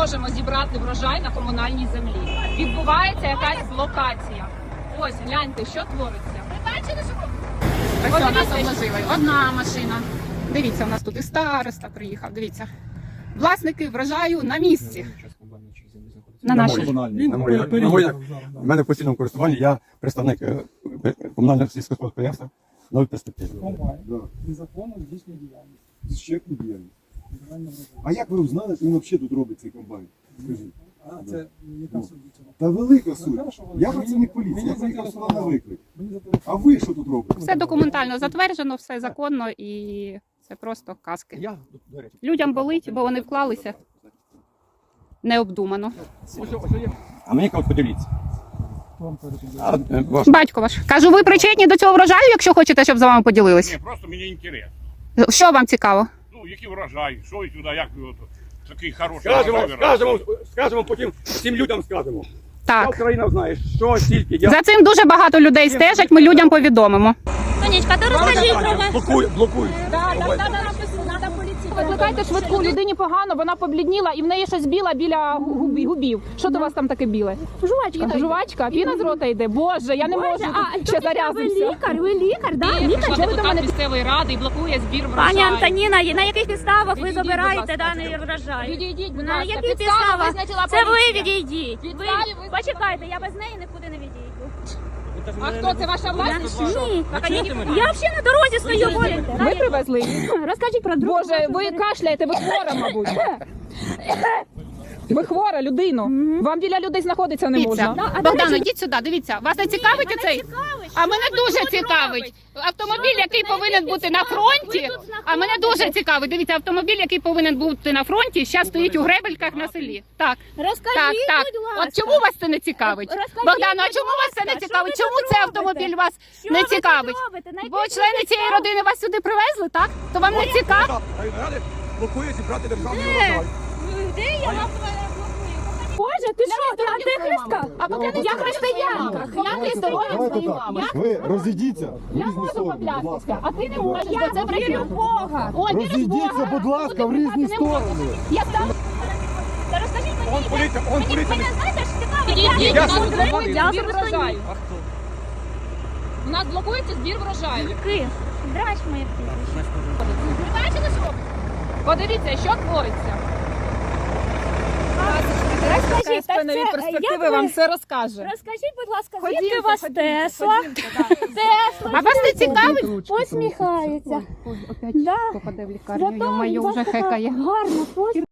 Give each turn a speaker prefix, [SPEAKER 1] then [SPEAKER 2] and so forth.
[SPEAKER 1] можемо зібрати врожай на комунальній землі. Відбувається якась блокація. Ось, гляньте, що твориться. Ви бачили, що
[SPEAKER 2] Ось у нас обложили. Одна машина. Дивіться, у нас тут і староста приїхав, дивіться. Власники врожаю на місці. На нашій.
[SPEAKER 3] У мене в постійному користуванні я представник комунального сільського підприємства «Нові перспективи».
[SPEAKER 4] Незаконно здійснює діяльність.
[SPEAKER 3] Ще діяльність. А як ви узнали, що він взагалі тут робить цей комбайн? Скажіть.
[SPEAKER 4] А це яка суть цього?
[SPEAKER 3] Та велика суть. Я працівник поліції, я приїхав сюди на виклик. А ви що тут робите?
[SPEAKER 2] Все документально затверджено, все законно і це просто казки. Людям болить, бо вони вклалися необдумано.
[SPEAKER 3] А мені кажуть, поділіться.
[SPEAKER 2] Батько ваш. Кажу, ви причетні до цього врожаю, якщо хочете, щоб з вами поділились?
[SPEAKER 5] Ні, просто мені інтерес.
[SPEAKER 2] Що вам цікаво?
[SPEAKER 5] Ну, який врожай, що і сюди, як ви такий хороший врожай
[SPEAKER 3] Скажемо потім всім людям скажемо.
[SPEAKER 2] Так.
[SPEAKER 3] Україна знає, що стільки.
[SPEAKER 2] За цим дуже багато людей стежать, ми людям повідомимо.
[SPEAKER 6] Сонечка, то розкажіть про вас.
[SPEAKER 3] Блокують.
[SPEAKER 1] Викликайте швидку, людині погано, вона поблідніла і в неї щось біле біля губів. Що до вас там таке біле?
[SPEAKER 6] Жувачка.
[SPEAKER 1] Жувачка? Піна з рота йде? Боже, я не можу, ще
[SPEAKER 6] Ви
[SPEAKER 1] зарязався.
[SPEAKER 6] лікар, да?
[SPEAKER 1] Ні,
[SPEAKER 6] Лікар,
[SPEAKER 1] прийшла
[SPEAKER 6] чого ви до
[SPEAKER 1] депутат
[SPEAKER 6] мене?
[SPEAKER 1] місцевої ради і блокує збір врожаю.
[SPEAKER 6] Пані Антоніна, на яких підставах ви
[SPEAKER 1] Відійдіть,
[SPEAKER 6] забираєте
[SPEAKER 1] будь ласка.
[SPEAKER 6] даний врожай?
[SPEAKER 1] Відійдіть, будь
[SPEAKER 6] На
[SPEAKER 1] ласка.
[SPEAKER 6] яких
[SPEAKER 1] Підстави
[SPEAKER 6] підставах?
[SPEAKER 1] визначила
[SPEAKER 6] Це ви
[SPEAKER 1] поліція.
[SPEAKER 6] відійдіть. Ви
[SPEAKER 1] Підстави визначила-
[SPEAKER 6] почекайте, я без неї нікуди не відійду.
[SPEAKER 1] А хто це, ваша власність? чи що?
[SPEAKER 6] Ні, я взагалі на дорозі стою.
[SPEAKER 1] Ви привезли її?
[SPEAKER 6] Розкажіть про другу.
[SPEAKER 1] Боже, ви кашляєте, ви хвора, мабуть. Ви хвора, людину. Вам біля людей знаходитися не можна.
[SPEAKER 2] Богдано, йдіть сюди, дивіться. Вас не цікавить оцей? А мене дуже цікавить. Автомобіль, який повинен бути на фронті, а мене дуже цікавить. Дивіться, автомобіль, який повинен бути на фронті, зараз стоїть у Гребельках на селі. Так,
[SPEAKER 6] Розкажіть,
[SPEAKER 2] так.
[SPEAKER 6] будь ласка.
[SPEAKER 2] От чому вас це не цікавить?
[SPEAKER 6] Розкажіть,
[SPEAKER 2] Богдано, а
[SPEAKER 6] будь
[SPEAKER 2] чому вас це не
[SPEAKER 6] ласка,
[SPEAKER 2] цікавить?
[SPEAKER 6] що ви
[SPEAKER 2] Чому
[SPEAKER 6] тут
[SPEAKER 2] цей
[SPEAKER 6] робите?
[SPEAKER 2] автомобіль вас
[SPEAKER 6] Що
[SPEAKER 2] не
[SPEAKER 6] ви тут
[SPEAKER 2] цікавить?
[SPEAKER 6] робите? На
[SPEAKER 2] Бо
[SPEAKER 6] яких
[SPEAKER 2] члени цієї
[SPEAKER 6] підставах?
[SPEAKER 2] родини вас сюди привезли, так? То вам не цікаво?
[SPEAKER 3] Блокує зібрати державний врожай.
[SPEAKER 6] Де я вас блокую? Боже, ти що, ти антихристка?
[SPEAKER 1] А поки я християнка, я здоров'я
[SPEAKER 3] Давайте
[SPEAKER 1] своїй
[SPEAKER 3] так.
[SPEAKER 1] мамі.
[SPEAKER 3] Ви розійдіться в
[SPEAKER 1] Я
[SPEAKER 3] різні
[SPEAKER 1] можу
[SPEAKER 3] сторони, будь ласка.
[SPEAKER 1] поклястися, а ти не можеш, бо це брехня Бога. О, віриш в
[SPEAKER 3] Розійдіться,
[SPEAKER 1] Бога.
[SPEAKER 3] будь ласка, в різні сторони.
[SPEAKER 1] Я там.
[SPEAKER 6] Та розкажіть мені,
[SPEAKER 3] Он поліція, он поліція.
[SPEAKER 6] мене знаєте, що цікаво?
[SPEAKER 1] Підійдіть,
[SPEAKER 6] Я
[SPEAKER 1] у нас
[SPEAKER 6] буду
[SPEAKER 1] блокується
[SPEAKER 6] я
[SPEAKER 1] збір
[SPEAKER 6] особисто
[SPEAKER 1] врожаю. У нас блокується збір врожаю.
[SPEAKER 6] Ки. Драч моє прізвище.
[SPEAKER 1] Ви бачили, що? Подивіться, що твориться.
[SPEAKER 6] Розкажіть, так
[SPEAKER 1] Нові
[SPEAKER 6] це,
[SPEAKER 1] перспективи
[SPEAKER 6] як
[SPEAKER 1] вам
[SPEAKER 6] ви-
[SPEAKER 1] все розкаже.
[SPEAKER 6] Розкажіть, будь ласка,
[SPEAKER 1] Ходімте,
[SPEAKER 6] звідки у вас
[SPEAKER 1] ходімте,
[SPEAKER 6] Тесла?
[SPEAKER 1] ходімте, так.
[SPEAKER 6] Тесла.
[SPEAKER 2] А вас не цікавить?
[SPEAKER 6] Посміхається.
[SPEAKER 2] Опять
[SPEAKER 6] Да.
[SPEAKER 2] попаде в лікарню,
[SPEAKER 6] Зато
[SPEAKER 2] йо-моє,
[SPEAKER 6] у вас
[SPEAKER 2] вже
[SPEAKER 6] така
[SPEAKER 2] хекає.
[SPEAKER 6] гарна посмішка.